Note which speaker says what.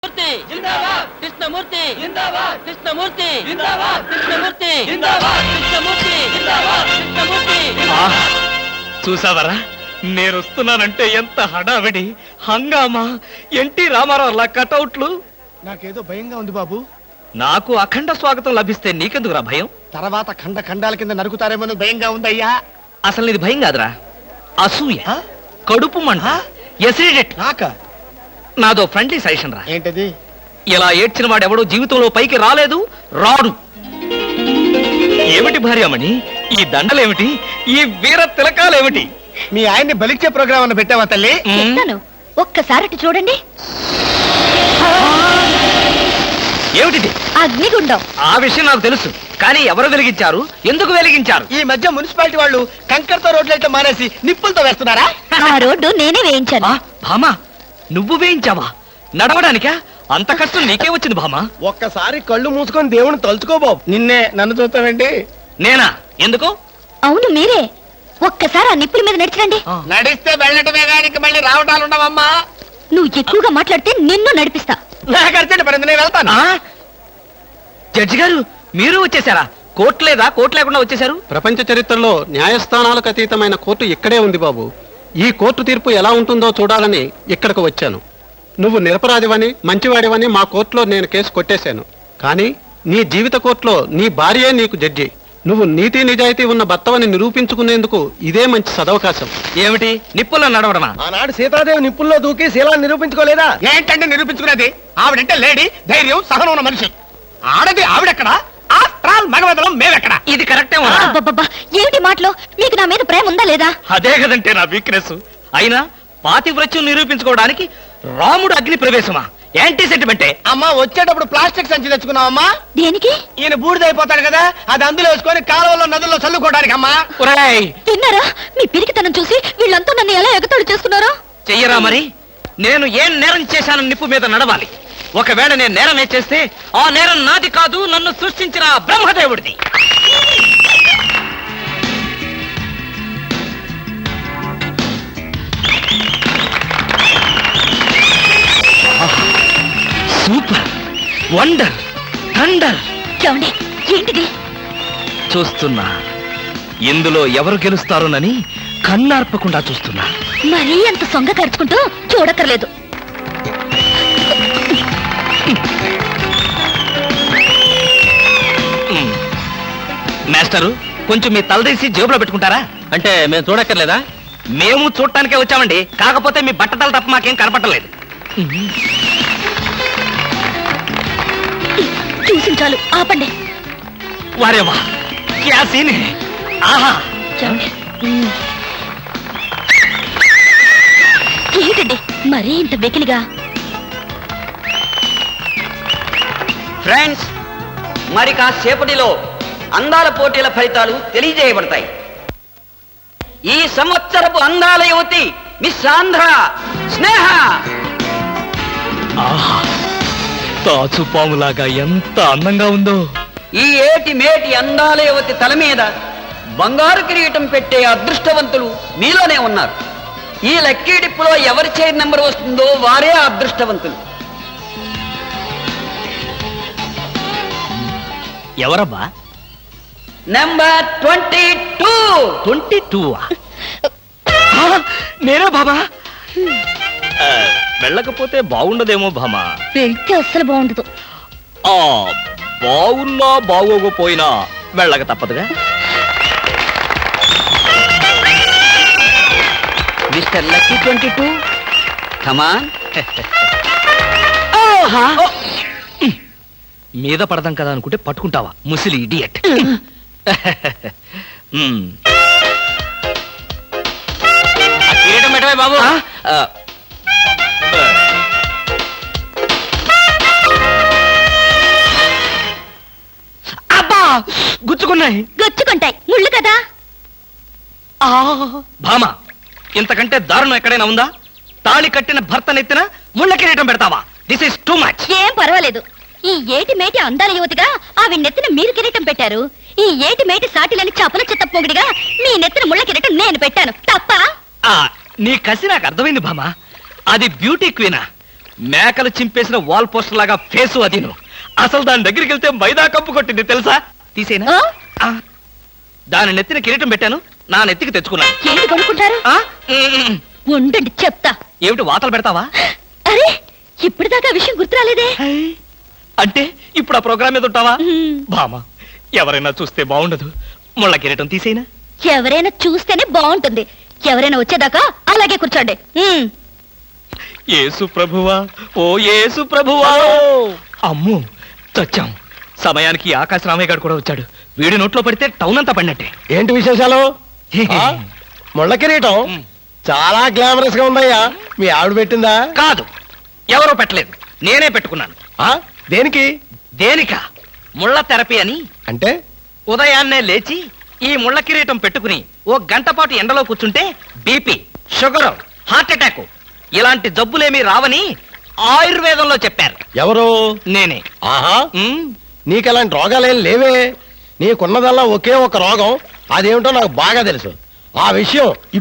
Speaker 1: जिंदाबाद कृष्णमूर्ति जिंदाबाद कृष्णमूर्ति जिंदाबाद कृष्णमूर्ति जिंदाबाद कृष्णमूर्ति जिंदाबाद कृष्णमूर्ति
Speaker 2: చూసావరా నేను వస్తున్నానంటే ఎంత హడావిడి హంగామా ఎన్టీ రామారావు లా కటౌట్లు.
Speaker 3: నాకేదో భయంగా ఉంది బాబు.
Speaker 2: నాకు అఖండ స్వాగతం లభిస్తే నీకెందుకురా భయం?
Speaker 3: తర్వాత ఖండ ఖండాల కింద నరుకుతారేమో భయంగా ఉందయ్యా.
Speaker 2: అసలు ఇది భయం కాదురా, అసూయ, కడుపు మంట, ఎసిడిటీ. నాదో ఫ్రెండ్లీ సజెషన్ రా.
Speaker 3: ఏంటది?
Speaker 2: ఇలా ఏడ్చిన వాడెవడో జీవితంలో పైకి రాలేదు, రాడు. ఏమిటి భార్యామణి ఈ దండలేమిటి, ఈ వీర తిలకాలేమిటి?
Speaker 3: మీ ఆయన్ని బలిచ్చే ప్రోగ్రామ్ అన్న పెట్టావా తల్లి?
Speaker 4: ఒక్కసారి చూడండి.
Speaker 2: ఏమిటిది?
Speaker 4: అగ్నిగుండం.
Speaker 2: ఆ విషయం నాకు తెలుసు, కానీ ఎవరు వెలిగించారు, ఎందుకు వెలిగించారు?
Speaker 3: ఈ మధ్య మున్సిపాలిటీ వాళ్ళు కంకరతో రోడ్లైతే మానేసి నిప్పులతో వేస్తున్నారా?
Speaker 4: ఆ రోడ్డు నేనే వేయించాను.
Speaker 2: భామా నువ్వు వేయించావా? నడవడానికా? అంత కష్టం నీకే వచ్చింది భామా?
Speaker 3: ఒక్కసారి కళ్ళు మూసుకొని దేవుని తలుచుకో బాబు. నిన్నే నన్ను చూస్తావేంటి?
Speaker 2: నేనా? ఎందుకు?
Speaker 4: అవును మీరే. ఒక్కసారి ఆ నిప్పుల మీద నడిచండి.
Speaker 3: నడిస్తే వెళ్ళటమే కానీ మళ్ళీ రావటాలు ఉండవమ్మా.
Speaker 4: నువ్వు ఎక్కువగా మాట్లాడితే నిన్ను నడిపిస్తా.
Speaker 3: నాకు అర్జెంట్ పడింది, నేను వెళ్తాను.
Speaker 2: జడ్జి గారు మీరు వచ్చేసారా? కోర్టు లేదా? కోర్టు లేకుండా వచ్చేసారు?
Speaker 5: ప్రపంచ చరిత్రలో న్యాయస్థానాలకు అతీతమైన కోర్టు ఇక్కడే ఉంది బాబు. ఈ కోర్టు తీర్పు ఎలా ఉంటుందో చూడాలని ఇక్కడికి వచ్చాను. నువ్వు నిరపరాధివని మంచివాడివని మా కోర్టులో నేను కేసు కొట్టేశాను. కానీ నీ జీవిత కోర్టులో నీ భార్యే నీకు జడ్జి. నువ్వు నీతి నిజాయితీ ఉన్న భర్తవని నిరూపించుకునేందుకు ఇదే మంచి సదవకాశం.
Speaker 2: ఏమిటి నిప్పుల్లో నడవడమా?
Speaker 3: ఆనాడు సీతాదేవి నిప్పుల్లో దూకి శీలాన్ని నిరూపించుకోలేదా? ఏంటంటే నిరూపించుకునేది? ఆవిడంటే లేడీ, ధైర్యం, సహనం ఉన్న మనిషి. ఆడది ఆవిడెక్కడా? మగవదలం మేమెక్కడా?
Speaker 2: ఇది కరెక్టే.
Speaker 4: అబ్బబ్బబ్బా, ఏమిటి మాటలో? మీకు నా మీద ప్రేమ ఉందా లేదా?
Speaker 2: అదే కదంటే నా వీక్నెస్. అయినా పాతివ్రత్యం నిరూపించుకోవడానికి రాముడు అగ్ని ప్రవేశమా? యాంటీ సెంటిమెంటే.
Speaker 3: అమ్మా వచ్చేటప్పుడు ప్లాస్టిక్ సంచి తెచ్చుకున్నావమ్మా.
Speaker 4: దేనికి?
Speaker 3: ఈయన బూడిదైపోతాడు కదా, అది అందులో వేసుకొని కాలువలో నదుల్లో చల్లుకోవడానికి అమ్మా.
Speaker 4: విన్నారా? మీ పిరికితనం చూసి వీళ్ళంతా నన్ను ఎలా ఎగతాడు చేస్తున్నారో.
Speaker 2: చెయ్యరా మరి? నేను ఏం నేరం చేశానని నిప్పు మీద నడవాలి. ఒకవేళ నేను నేరం చేస్తే ఆ నేరం నాది కాదు, నన్ను సృష్టించిన బ్రహ్మదేవుడిది. Super, wonder, thunder.
Speaker 4: ఏంటిది?
Speaker 2: చూస్తున్నా, ఇందులో ఎవరు గెలుస్తారోనని కన్నార్పకుండా చూస్తున్నా.
Speaker 4: మరీ అంత సొంగ ఖర్చుకుంటూ చూడక్కర్లేదు.
Speaker 2: మాస్టరు కొంచెం మీ తలదీసి జేబులో పెట్టుకుంటారా? అంటే మేము చూడక్కర్లేదా? మేము చూడటానికే వచ్చామండి, కాకపోతే మీ బట్టతలు తప్ప మాకేం కనపట్టలేదు.
Speaker 4: చూసి చాలు, ఆపండి.
Speaker 2: వారేవా క్యా సీన్ హై. ఆహా,
Speaker 4: ఏంటండి మరీ ఇంత వెకిలిగా?
Speaker 6: ఫ్రెండ్స్, మరి కాసేపటిలో అందాల పోటీల ఫలితాలు తెలియజేయబడతాయి. ఈ సంవత్సరపు అందాల యువతి మిస్ ఆంధ్ర స్నేహ.
Speaker 2: ఆహా, తాచుపాములాగా ఎంత అందంగా ఉందో.
Speaker 6: ఈ ఏటి మేటి అందాల యువతి తల మీద బంగారు కిరీటం పెట్టే అదృష్టవంతులు మీలోనే ఉన్నారు. ఈ లక్కీ డిప్పులో ఎవరి చైర్ నెంబర్ వస్తుందో వారే అదృష్టవంతులు.
Speaker 2: ఎవరబ్బా?
Speaker 6: నెంబర్ 22.
Speaker 2: 22. నేనే బాబా. వెళ్ళకపోతే బాగుండదేమో భామా.
Speaker 4: వెళ్తే అస్సలు బాగుండదు.
Speaker 2: బాగున్నా బాగోకపోయినా వెళ్ళక తప్పదుగా.
Speaker 6: Mister lucky 22, come on.
Speaker 2: మీద పడదాం కదా అనుకుంటే పట్టుకుంటావా ముసిలి ఇడియట్. కిరీటం పెట్టవే బాబు. అబ్బా, గుచ్చుకున్నాయి.
Speaker 4: గొచ్చుకుంటాయి, ముళ్ళు కదా.
Speaker 2: భామ, ఇంతకంటే దారుణం ఎక్కడైనా ఉందా? తాళి కట్టిన భర్త నెత్తిన ముళ్ళ కిరీటం పెడతావా? This is too much.
Speaker 4: ఏం పర్వాలేదు. ఈ ఏటి మేటి అందాల యువతిగా ఆవి నెత్తిన మీరు కిరీటం పెట్టారు. ఈ ఏటి మేటి సాటిలని చపల చెత్త పొగిడిగా మీ నెత్తిన ముళ్ళ కిరీటం నేను పెట్టాను. తప్ప?
Speaker 2: నీ కసి నాకు అర్థమైంది భామ. అది బ్యూటీ క్వీనా? మేకలు చింపేసిన వాల్ పోస్టర్ లాగా ఫేసు అది నువ్వు. అసలు దాని దగ్గరికి వెళ్తే మైదా కప్పు కొట్టింది తెలుసా? తీసేనా?
Speaker 4: ఆ?
Speaker 2: ఆ. దాని నెత్తిన కిరీటం పెట్టాను, నా నెత్తికి తెచ్చుకున్నాను.
Speaker 4: ఏంటి కొనుక్కుంటారు?
Speaker 2: ఆ? ఉమ్.
Speaker 4: ఉండండి చెప్తా.
Speaker 2: ఏమిటి వాతలు పెడతావా?
Speaker 4: అరే ఇప్పటిదాకా ఆ విషయం గుర్తురాలేదే.
Speaker 2: అంటే ఇప్పుడు ఆ ప్రోగ్రామ్ మీద ఉంటావా?
Speaker 4: ఉమ్.
Speaker 2: బామా, ఎవరైనా చూస్తే బాగుండదు. ముళ్ళ కిరీటం తీసేనా?
Speaker 4: ఎవరైనా చూస్తేనే బాగుంటుంది. ఎవరైనా వచ్చేదాకా అలాగే కూర్చోండి.
Speaker 2: యేసు ప్రభువా, ఓ యేసు ప్రభువా. అమ్ము, చచ్చాం. సమయానికి ఆకాశ రామయ్య గారు కూడా వచ్చాడు. వీడి నోట్లో పడితే టౌన్ అంతా పడినట్టే.
Speaker 3: ఏంటి విశేషాలు? ఆ? ముళ్ళ కిరీటం చాలా గ్లామరస్ గా ఉందయ్యా. మీ ఆవిడ పెట్టిందా?
Speaker 2: కాదు, ఎవరో పెట్టలేదు, నేనే పెట్టుకున్నాను.
Speaker 3: ఆ? దేనికి?
Speaker 2: దేనిక? ముళ్ళ థెరపీ అని.
Speaker 3: అంటే
Speaker 2: ఉదయాన్నే లేచి ఈ ముళ్ళ కిరీటం పెట్టుకుని ఓ గంట పాటు ఎండలో కూర్చుంటే బీపీ, షుగర్, హార్ట్ అటాక్ ఇలాంటి జబ్బులేమీ రావని ఆయుర్వేదంలో చెప్పారు.
Speaker 3: ఎవరు?
Speaker 2: నేనే.
Speaker 3: ఆహా,
Speaker 2: ఉమ్,
Speaker 3: నీకలాంటి రోగాలేం లేవే. నీకున్నదల్లా ఒకే ఒక రోగం. అదేమిటో నాకు బాగా తెలుసు. ఆ విషయం